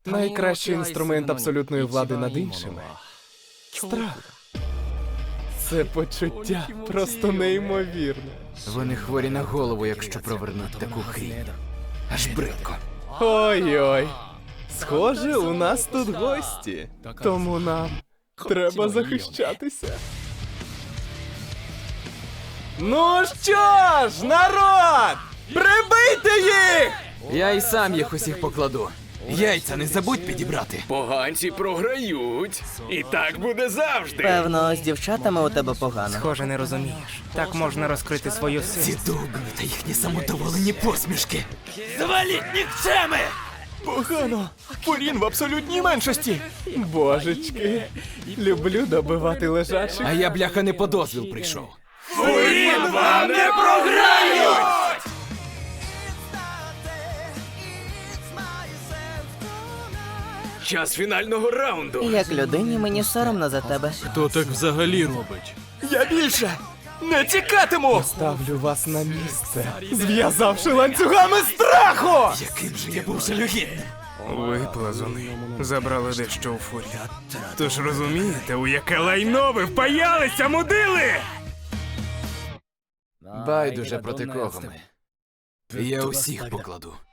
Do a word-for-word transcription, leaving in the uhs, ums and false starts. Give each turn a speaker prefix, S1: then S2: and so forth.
S1: Найкращий інструмент абсолютної влади над іншими — страх. Це почуття просто неймовірне.
S2: Вони хворі на голову, якщо провернуть таку хрінь. Аж бридко.
S1: Ой-ой. Схоже, у нас тут гості. Тому нам треба захищатися. Ну що ж, народ! Прибийте їх!
S2: Я і сам їх усіх покладу. Яйця не забудь підібрати.
S3: Поганці програють. І так буде завжди.
S4: Певно, з дівчатами у тебе погано.
S5: Схоже, не розумієш. Так можна розкрити свою
S2: Ці
S5: силу.
S2: довбні та їхні самодоволені посмішки. Заваліть нікчеми!
S1: Погано. Фурін в абсолютній меншості. Божечки. Люблю добивати лежачих.
S2: А я, бляха, не по дозвіл прийшов.
S3: Фурін вам не програють! Час фінального раунду.
S4: Як людині мені соромно за тебе.
S6: Хто так взагалі робить?
S1: Я більше не тікатиму! Ставлю вас на місце, зв'язавши ланцюгами страху!
S2: Яким же я був жалюгідним.
S6: Ви, плазуни, забрали дещо у фурі. Тож розумієте, у яке лайно ви впаялися, мудили?
S2: Байдуже проти кого ми. Я усіх покладу.